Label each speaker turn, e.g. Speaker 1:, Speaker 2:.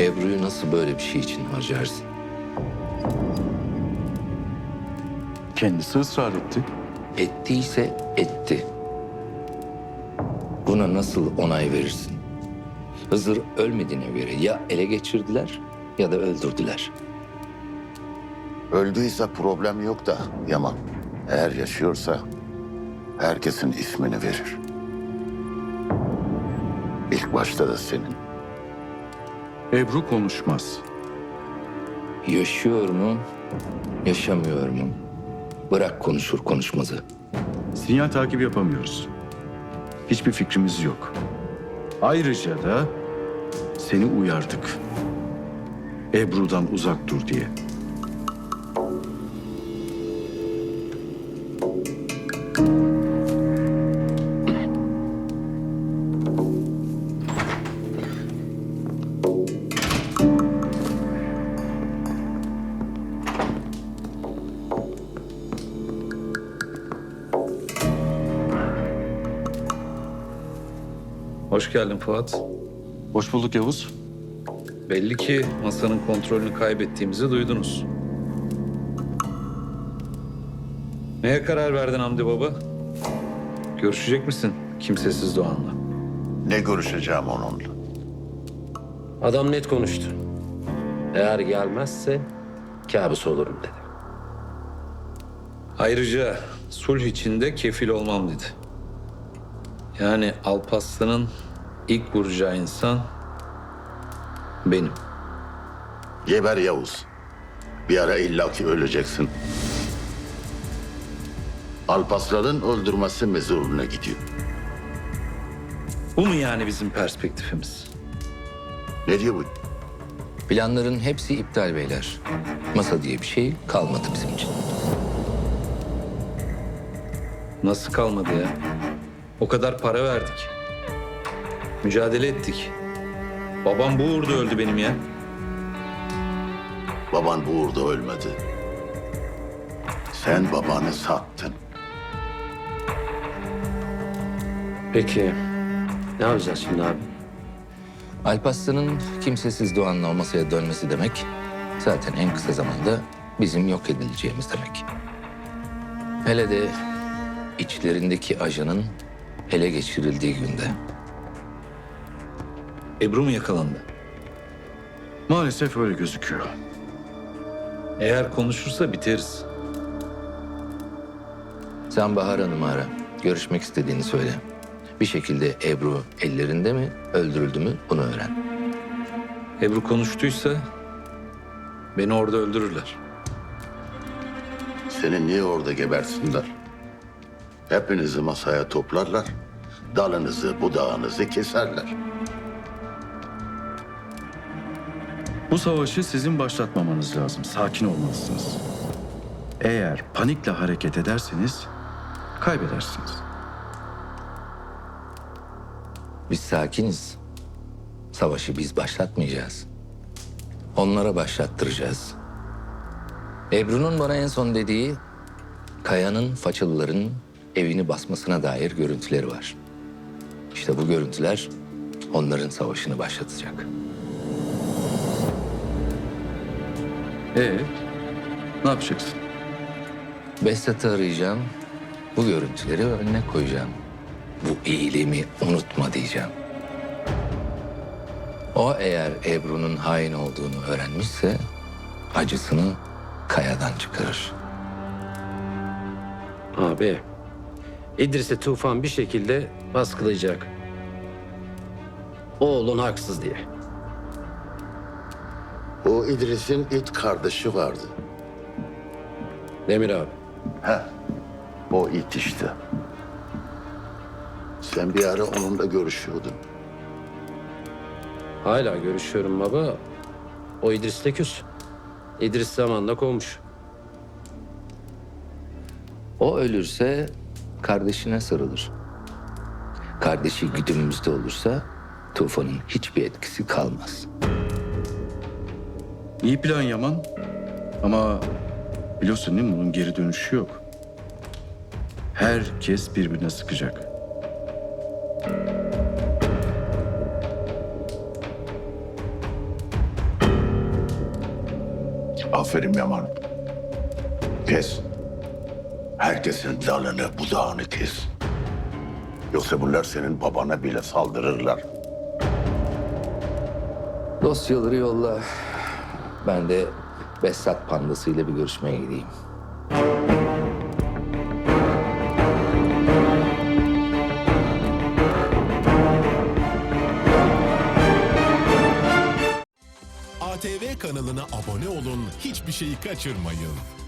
Speaker 1: Ebru'yu nasıl böyle bir şey için harcarsın?
Speaker 2: Kendisi ısrar etti.
Speaker 1: Ettiyse etti. Buna nasıl onay verirsin? Hızır ölmediğine göre ya ele geçirdiler ya da öldürdüler.
Speaker 3: Öldüyse problem yok da Yaman. Eğer yaşıyorsa herkesin ismini verir. İlk başta da senin.
Speaker 2: Ebru konuşmaz.
Speaker 1: Yaşıyor mu, yaşamıyor mu? Bırak konuşur konuşmazı.
Speaker 2: Sinyal takibi yapamıyoruz. Hiçbir fikrimiz yok. Ayrıca da seni uyardık. Ebru'dan uzak dur diye.
Speaker 4: Hoş geldin Fuat.
Speaker 2: Hoş bulduk Yavuz.
Speaker 4: Belli ki masanın kontrolünü kaybettiğimizi duydunuz. Neye karar verdin Hamdi Baba? Görüşecek misin kimsesiz Doğan'la?
Speaker 3: Ne görüşeceğim onunla?
Speaker 5: Adam net konuştu. Eğer gelmezse kabus olurum dedi.
Speaker 4: Ayrıca sulh içinde kefil olmam dedi. Yani Alparslan'ın ilk vuracağı insan benim.
Speaker 3: Geber Yavuz. Bir ara illaki öleceksin. Alpaslan'ın öldürmesi mezuruna gidiyor.
Speaker 4: Bu mu yani bizim perspektifimiz?
Speaker 3: Ne diyor bu?
Speaker 1: Planların hepsi iptal beyler. Masa diye bir şey kalmadı bizim için.
Speaker 4: Nasıl kalmadı ya? O kadar para verdik. Mücadele ettik. Babam bu uğurda öldü benim ya.
Speaker 3: Baban bu uğurda ölmedi. Sen babanı sattın.
Speaker 5: Peki ne yapacağız şimdi abi?
Speaker 1: Alparslan'ın kimsesiz Doğan'la o masaya dönmesi demek... zaten en kısa zamanda bizim yok edileceğimiz demek. Hele de içlerindeki ajanın ele geçirildiği günde.
Speaker 4: Ebru mu yakalandı?
Speaker 2: Maalesef öyle gözüküyor.
Speaker 4: Eğer konuşursa biteriz.
Speaker 1: Sen Bahar Hanım'ı ara. Görüşmek istediğini söyle. Bir şekilde Ebru ellerinde mi, öldürüldü mü bunu öğren.
Speaker 4: Ebru konuştuysa beni orada öldürürler.
Speaker 3: Seni niye orada gebersinler? Hepinizi masaya toplarlar. Dalınızı, budağınızı keserler.
Speaker 2: Bu savaşı sizin başlatmamanız lazım. Sakin olmalısınız. Eğer panikle hareket ederseniz kaybedersiniz.
Speaker 1: Biz sakiniz. Savaşı biz başlatmayacağız. Onlara başlattıracağız. Ebru'nun bana en son dediği... Kaya'nın Façalıların evini basmasına dair görüntüleri var. İşte bu görüntüler onların başlatacak.
Speaker 2: Ne yapacaksın?
Speaker 1: Behzat'ı arayacağım. Bu görüntüleri önüne koyacağım. Bu iyiliğimi unutma diyeceğim. O eğer Ebru'nun hain olduğunu öğrenmişse... acısını Kaya'dan çıkarır.
Speaker 5: Abi İdris'e Tufan bir şekilde baskılayacak. Oğlun haksız diye.
Speaker 3: O İdris'in it kardeşi vardı.
Speaker 5: Demir abi.
Speaker 3: O it işte. Sen bir ara onunla görüşüyordun.
Speaker 5: Hala görüşüyorum baba. O İdris'le küs. İdris zamanla kovmuş.
Speaker 1: O ölürse kardeşine sarılır. Kardeşi güdümümüzde olursa Tufan'ın hiçbir etkisi kalmaz.
Speaker 2: İyi plan Yaman. Ama biliyorsun değil mi? Bunun geri dönüşü yok. Herkes birbirine sıkacak.
Speaker 3: Aferin Yaman. Kes. Herkesin dalını budağını kes. Yoksa bunlar senin babana bile saldırırlar.
Speaker 1: Dosyaları yolla. Ben de Behzat Pandası ile bir görüşmeye gideyim.
Speaker 6: ATV kanalına abone olun, hiçbir şeyi kaçırmayın.